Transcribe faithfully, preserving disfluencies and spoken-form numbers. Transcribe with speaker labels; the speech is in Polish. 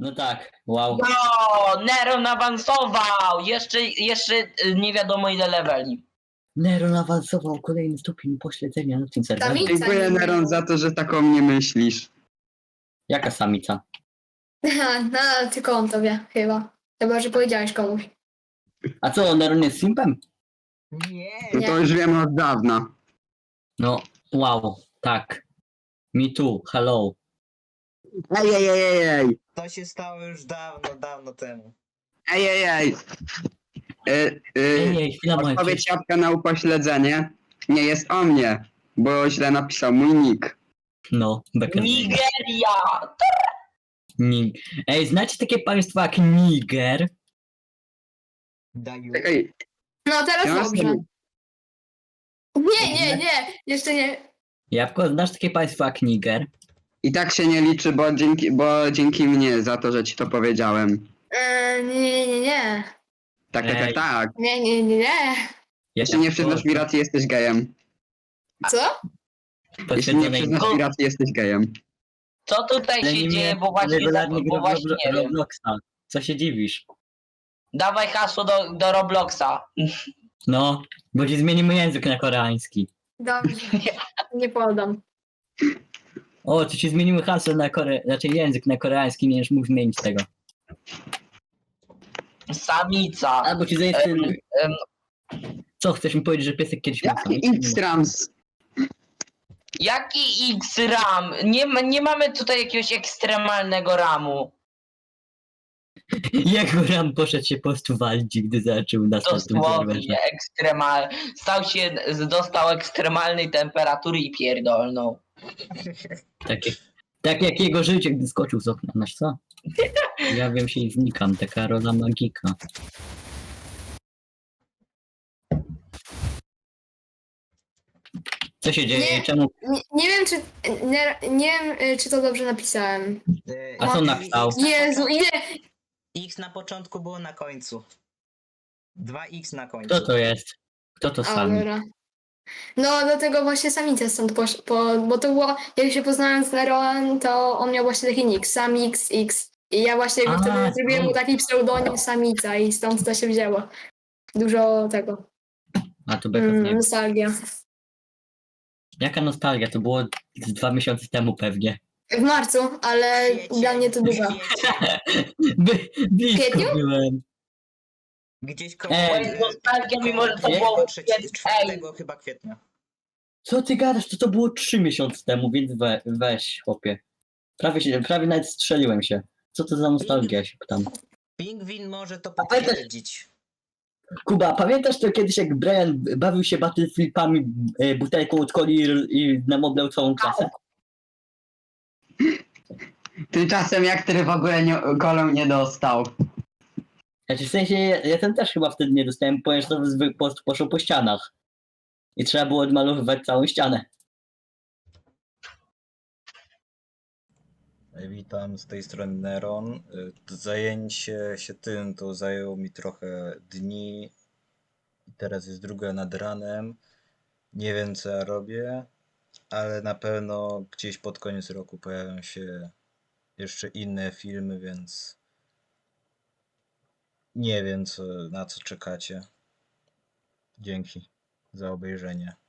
Speaker 1: No tak, wow.
Speaker 2: No, Neron awansował! Jeszcze, jeszcze y, nie wiadomo ile leveli.
Speaker 1: Neron awansował kolejny stopień pośledzenia na tym serwerze.
Speaker 3: Samica
Speaker 4: Dziękuję,
Speaker 3: nie
Speaker 4: Neron,
Speaker 3: miał.
Speaker 4: za to, że tak o mnie myślisz.
Speaker 1: Jaka samica?
Speaker 3: No, tylko on to wie, chyba. Chyba, że powiedziałeś komuś.
Speaker 1: A co, Neron jest simpem?
Speaker 5: Nie.
Speaker 4: No to
Speaker 3: Nie.
Speaker 4: już wiem od dawna.
Speaker 1: No, wow, tak. Me too, hello.
Speaker 4: Ej, ej, ej, ej, ej.
Speaker 5: To się stało już dawno, dawno temu.
Speaker 4: Ej, ej, ej. E, e,
Speaker 1: Ej, ej, chwila moja.
Speaker 4: Odpowiedź jabłka na upośledzenie nie jest o mnie, bo źle napisał mój nick.
Speaker 1: No, Becker.
Speaker 2: Nigeria!
Speaker 1: Nig. Ej, znacie takie państwo jak Niger?
Speaker 5: Daju.
Speaker 4: Czekaj,
Speaker 3: No, teraz
Speaker 4: ja mam
Speaker 3: dobrze.
Speaker 4: sobie-
Speaker 3: Nie, nie, nie, jeszcze nie.
Speaker 1: Jabłko, znasz takie państwo jak Niger?
Speaker 4: I tak się nie liczy, bo dzięki, bo dzięki mnie za to, że ci to powiedziałem.
Speaker 3: Eee, nie, nie, nie, nie.
Speaker 4: Tak, tak, tak,
Speaker 1: Ej.
Speaker 4: tak.
Speaker 3: Nie, nie, nie, nie.
Speaker 4: Jeśli nie przyznasz mi racji, jesteś gejem.
Speaker 3: Co?
Speaker 4: Jeśli nie
Speaker 1: Potwierdzonej-
Speaker 4: przyznasz mi racji, jesteś gejem.
Speaker 2: Co tutaj
Speaker 1: Ale
Speaker 2: się
Speaker 1: nie
Speaker 2: dzieje,
Speaker 1: miałem
Speaker 2: bo właśnie, za,
Speaker 1: regularnie
Speaker 2: bo
Speaker 1: gra w
Speaker 2: właśnie
Speaker 1: Roblo-
Speaker 2: nie wiem.
Speaker 1: Robloxa. Co się dziwisz?
Speaker 2: Dawaj hasło do, do Robloxa.
Speaker 1: No, bo ci zmienimy język na koreański.
Speaker 3: Dobrze. Nie podam.
Speaker 1: O, to ci zmienimy hasło na kore... znaczy język na koreański, nie będziesz mógł zmienić tego.
Speaker 2: Samica.
Speaker 1: Albo ci zajęty...
Speaker 2: Em, em,
Speaker 1: Co, chcesz mi powiedzieć, że piesek kiedyś miał
Speaker 4: Jaki
Speaker 1: samicę?
Speaker 4: X-Rams?
Speaker 2: Jaki X-RAM? Nie, ma- nie mamy tutaj jakiegoś ekstremalnego ramu.
Speaker 1: Jak Ram poszedł się po prostu walić, gdy zaczął na tym serwerze.
Speaker 2: Dosłownie ekstremal. Stał się, dostał ekstremalnej temperatury i pierdolną.
Speaker 1: Takie, tak jak jego życie, gdy skoczył z okna, masz co? Ja wiem się i znikam, taka rola magika. Co się dzieje?
Speaker 3: Nie.
Speaker 1: Czemu?
Speaker 3: Nie, nie wiem, czy. Nie, nie wiem, y, czy to dobrze napisałem.
Speaker 5: E,
Speaker 1: A co
Speaker 5: i-
Speaker 1: napisał?
Speaker 5: X na
Speaker 3: Jezu,
Speaker 5: początku-
Speaker 3: ile.
Speaker 5: X na początku było na końcu. dwa X na końcu.
Speaker 1: Kto to jest? Kto to
Speaker 3: A,
Speaker 1: sami?
Speaker 3: dobra. No, dlatego właśnie samica stąd posz... po... Bo to było, jak się poznałem z Neronem, to on miał właśnie taki nick, Samix X. I ja właśnie go
Speaker 1: A,
Speaker 3: wtedy zrobiłem mu
Speaker 1: to-
Speaker 3: taki pseudonim Samica i stąd to się wzięło. Dużo tego.
Speaker 1: A to Beka
Speaker 3: Mm,
Speaker 1: nie.
Speaker 3: nostalgia.
Speaker 1: Jaka nostalgia? To było z dwa miesiące temu pewnie.
Speaker 3: W marcu, ale
Speaker 5: Kwiecień,
Speaker 3: dla mnie to dużo.
Speaker 5: kwiecień.
Speaker 1: By, blisko
Speaker 3: Kwietniu?
Speaker 1: byłem.
Speaker 5: Gdzieś koło...
Speaker 1: Ej.
Speaker 2: To jest nostalgia, mimo że to
Speaker 1: Nie?
Speaker 2: było...
Speaker 5: trzeciego,
Speaker 2: Ej,
Speaker 5: czwartego chyba kwietnia.
Speaker 1: Co ty gadasz? To to było trzy miesiące temu, więc we, weź, chłopie. Prawie, się, prawie nawet strzeliłem się. Co to za nostalgia, ja się pytam.
Speaker 5: Pingwin może to
Speaker 1: A pamiętasz-
Speaker 5: potwierdzić.
Speaker 1: Kuba, pamiętasz to kiedyś, jak Brian bawił się battleflipami, e, butelką od coli i, i namoblał całą klasę?
Speaker 4: Tymczasem jak ty w ogóle nie, golą nie dostał.
Speaker 1: Znaczy w sensie, ja, ja ten też chyba wtedy nie dostałem, ponieważ to zwy- po prostu poszło po ścianach. I trzeba było odmalowywać całą ścianę.
Speaker 6: Witam, z tej strony Neron. Y, Zajęcie się tym to zajęło mi trochę dni. I teraz jest druga nad ranem. Nie wiem co ja robię, ale na pewno gdzieś pod koniec roku pojawią się jeszcze inne filmy, więc nie wiem co, na co czekacie. Dzięki za obejrzenie.